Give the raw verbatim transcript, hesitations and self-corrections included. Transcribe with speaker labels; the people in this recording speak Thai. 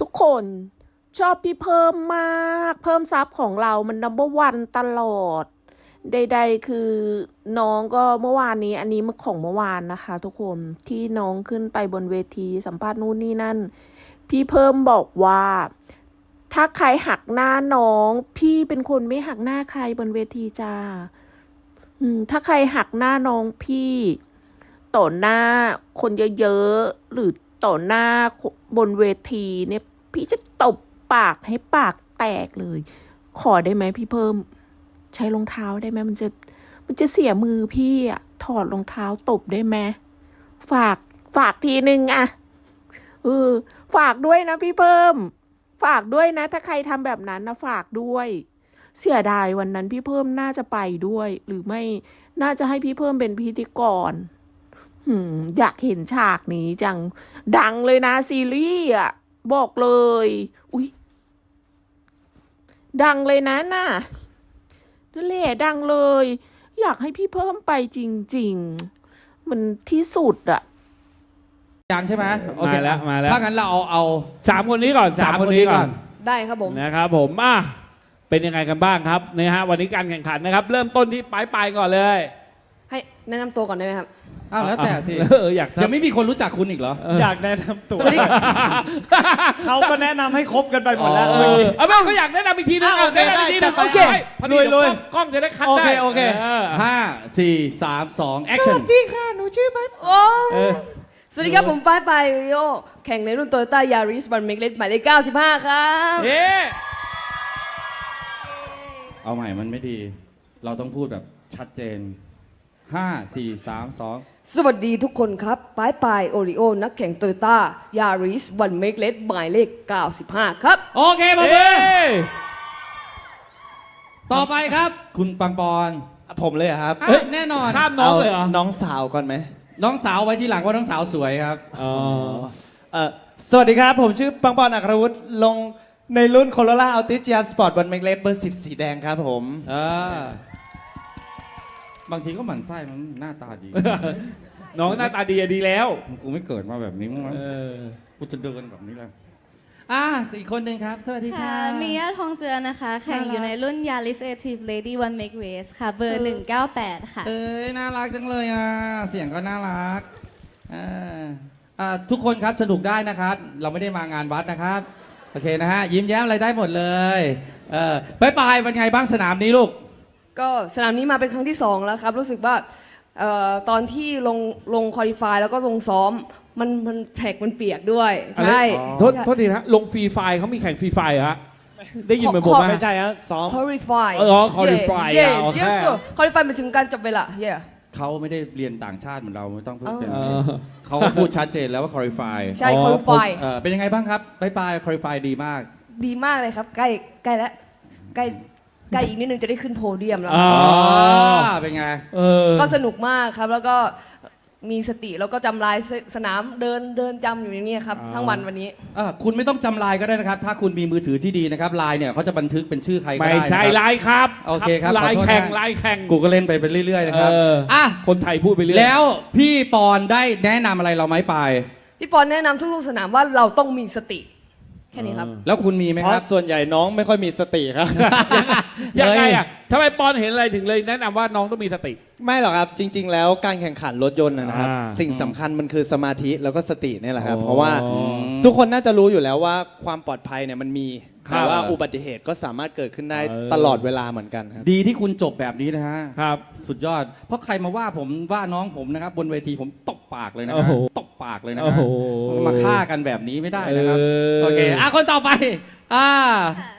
Speaker 1: ทุกคนชอบพี่เพิ่มมากเพิ่มซับของเรามันนัมเบอร์วันตลอดใดๆคือน้องก็เมื่อวานนี้อันนี้มันของเมื่อวานนะคะ ทุกคนที่น้องขึ้นไปบนเวทีสัมภาษณ์นู่นนี่นั่นพี่เพิ่มบอกว่าถ้าใครหักหน้าน้องพี่เป็นคนไม่หักหน้าใครบนเวทีจ้าอืมถ้าใครหักหน้าน้องพี่ต่อหน้าคนเยอะๆหรือต่อหน้าบนเวทีเนี่ยพี่จะตบปากให้ปากแตกเลยขอได้ไหมพี่เพิ่มใช้รองเท้าได้ไหมมันจะมันจะเสียมือพี่อะถอดรองเท้าตบได้ไหมฝากฝากทีนึงอะเออฝากด้วยนะพี่เพิ่มฝากด้วยนะถ้าใครทำแบบนั้นนะฝากด้วยเสียดายวันนั้นพี่เพิ่มน่าจะไปด้วยหรือไม่น่าจะให้พี่เพิ่มเป็นพิธีกรหืมอยากเห็นฉากนี้จังดังเลยนะซีรีส์อ่ะบอกเลยอุ๊ยดังเลยนะน่ะนั่นแหละดังเลยอยากให้พี่เพิ่มไปจริงๆมันที่สุดอ่ะ
Speaker 2: ยังใช่ไหมโอเค
Speaker 3: มาแล้วมาแล้ว
Speaker 2: ถ้างั้นเราเอาเอา
Speaker 3: สามคนนี้ก่อนสามคนนี้ก่อน
Speaker 4: ได้ครับผม
Speaker 3: นะครับผมอ่ะเป็นยังไงกันบ้างครับนะฮะวันนี้การแข่งขันนะครับ เริ่มต้นที่ปลายปลายก่อนเลย
Speaker 4: ให้แนะนำตัวก่อนได้ไหมครับ
Speaker 2: อ้าวแล้วแต่สิ
Speaker 3: เอออยาก
Speaker 2: ยังไม่มีคนรู้จักคุณอีกเหรอ
Speaker 5: อยากแนะนำตัว
Speaker 4: สวัสดี
Speaker 5: เขาก็แนะนำให้ครบกันไปหมดแล้ว
Speaker 3: เออเอาไม่เขาอยากแนะนำอีกทีนึง
Speaker 5: อ่ะโอเค
Speaker 3: แนะนำอีกทีนึง
Speaker 5: ได้
Speaker 3: โอเค
Speaker 5: จัดไป
Speaker 3: พอดี
Speaker 5: ลุย
Speaker 3: เดี๋วกล้องกล้องจะได้คัด
Speaker 5: โอ
Speaker 3: ได้
Speaker 5: เคโอเค
Speaker 2: ห้าสี่สามสองแอคชั่น
Speaker 1: ดีค่ะหนูชื่อไป
Speaker 4: โอ้สวัสดีครับผมป้ายปายริโอแข่งในรุ่นโตโยต้ายาริสวันเมกเลสหมายเลขเก้าสิบห้าครับ
Speaker 3: เอ๊ะ
Speaker 2: เอาใหม่มันไม่ดี เราต้องพูดแบบชัดเจนห้าสี่สามสอง
Speaker 4: สวัสดีทุกคนครับป้ายปายโอริโอนักแข่งโตโยต้ายาริสวันเมกเลสหมายเลขเก้าสิบห้าครับ
Speaker 2: โอเคมาเล
Speaker 3: เอ๊
Speaker 2: ย
Speaker 3: ะ
Speaker 2: ต่อไปครับ คุณปังปอน
Speaker 5: ผมเลยเหรอครับ
Speaker 2: เฮ้ยแน่นอน
Speaker 3: ข้ามน้องเลยเหรอ
Speaker 5: น้องสาวก่อนไหม
Speaker 2: น้องสาวไว้ที่หลังว่าน้องสาวสวยครับ
Speaker 3: อ๋อ
Speaker 5: เออสวัสดีครับ ผมชื่อปังปอนอัครวุฒิลงในรุ่นโคโรล่าอัลติจิอาสปอร์ตบอลเมกเลสเบอร์สิบสีแดงครับผม
Speaker 2: เออบางทีก็หมั่นไส้มันหน้าตาดี
Speaker 3: น้องหน้าตาดีอะดีแล้ว
Speaker 2: กูไม่เกิดมาแบบนี้มั้งวะ
Speaker 3: เออ
Speaker 2: กูจะเดินแบบนี้เลยอ่ะอีกคนหนึ่งครับ สวัสดีค่ะ
Speaker 6: ค่ะมิยาทองเจือนะคะ แข่งอยู่ในรุ่น Yaris Active Lady One Make Race ค่ะ เบอร์ หนึ่งเก้าแปด ค่ะ
Speaker 2: เอ้ยน่ารักจังเลยอ่ะ เสียงก็น่ารักอ่าอ่าทุกคนครับสนุกได้นะครับ เราไม่ได้มางานวัดนะครับ โอเคนะฮะ ยิ้มแย้มอะไรได้หมดเลยเออไปไปเป็นไงบ้างสนามนี้ลูก
Speaker 4: ก็สนามนี้มาเป็นครั้งที่สองแล้วครับ รู้สึกว่าเอ่อตอนที่ลงลงคอลิฟายแล้วก็ลงซ้อมมันมันแท็กมันเปียกด้วย ใช่
Speaker 3: โทษโทษทีนะลงฟรีไฟล์เขามีแข่งฟรีไฟล์เหรอฮะได้ยินเหมือนผม
Speaker 4: ขอ
Speaker 3: ไหม
Speaker 5: ไม่ใช่ฮะซ้อม
Speaker 4: คอลิฟาย
Speaker 3: อ๋อ qualify อ่ะโอเค
Speaker 4: คอลิฟายมันถึงการจับเวลาเย่
Speaker 2: เขาไม่ได้เรียนต่างชาติเหมือนเราไม่ต้องพูดเป็น
Speaker 3: เออ
Speaker 2: เขาก็พูดชัดเจนแล้วว่า qualify
Speaker 4: ใช่
Speaker 3: อ๋อ
Speaker 4: คอลิฟาย
Speaker 2: เออเป็นยังไงบ้างครับไปไป qualify ดีมาก
Speaker 4: ดีมากเลยครับ ใกล้ใกล้แล้วใกล้ใกล้อีกนิดนึงจะได้ขึ้นโพเดียมแล้ว
Speaker 3: อ๋อ
Speaker 2: เป็นไง
Speaker 3: เออ
Speaker 4: ก็สนุกมากครับ แล้วก็มีสติแล้วก็จำลายสสนามเดินเดินจำอยู่ในนี้ครับ
Speaker 3: อ๋อ
Speaker 4: ทั้งวันวันนี้
Speaker 2: อ่ะคุณไม่ต้องจำลายก็ได้นะครับ ถ้าคุณมีมือถือที่ดีนะครับลายเนี่ยเขาจะบันทึกเป็นชื่อใครก็
Speaker 3: ไม่
Speaker 2: ได้นะ
Speaker 3: ใช่
Speaker 2: ครับ
Speaker 3: ลายครับ
Speaker 2: โอเคครับ
Speaker 3: ลาย
Speaker 2: ขอโทษ
Speaker 3: แข่ง
Speaker 2: นะ
Speaker 3: ลายแข่ง
Speaker 2: กูก็เล่นไปไปเรื่อยๆนะครับ
Speaker 3: เออ
Speaker 2: อ่ะ
Speaker 3: คนไทยพูดไปเรื่อย
Speaker 2: แล้วพี่ปอนได้แนะนำอะไรเราไหมไปาย
Speaker 4: พี่ปอนแนะนำทุกๆสนามว่าเราต้องมีสติ แค่นี้ครับ
Speaker 2: แล้วคุณมีไหม
Speaker 5: เพ
Speaker 2: ครั
Speaker 5: ราะ
Speaker 2: บ
Speaker 5: ส่วนใหญ่น้องไม่ค่อยมีสติครับ
Speaker 3: ยังไงอ่ะทำไมปอนเห็นอะไรถึงเลยแนะนำว่าน้องต้องมีสติ
Speaker 5: ไม่หรอกครับจริง ๆ แล้วการแข่งขันรถยนต์นะนะครับ
Speaker 3: อ่า
Speaker 5: สิ่งสำคัญมันคือสมาธิแล้วก็สตินี่แหละครับ
Speaker 3: อ๋อ
Speaker 5: เพราะว่าทุกคนน่าจะรู้อยู่แล้วว่าความปลอดภัยเนี่ยมันมี
Speaker 3: ครับ
Speaker 5: แต่ว่าอุบัติเหตุก็สามารถเกิดขึ้นได้
Speaker 3: เออ
Speaker 5: ตลอดเวลาเหมือนกันครับ
Speaker 2: ดีที่คุณจบแบบนี้นะฮะ
Speaker 3: ครับ
Speaker 2: สุดยอด เพราะใครมาว่าผมว่าน้องผมนะครับ บนเวทีผมตบปากเลยนะ
Speaker 3: โอ้
Speaker 2: ฮะ
Speaker 3: โห
Speaker 2: ตบปากเลยนะ
Speaker 3: โอ้
Speaker 2: ฮะ
Speaker 3: โห
Speaker 2: มาฆ่ากันแบบนี้ไม่ได้นะครับ
Speaker 3: เออ
Speaker 2: โอเคอ่ะคนต่อไปอ่า
Speaker 6: ค่ะ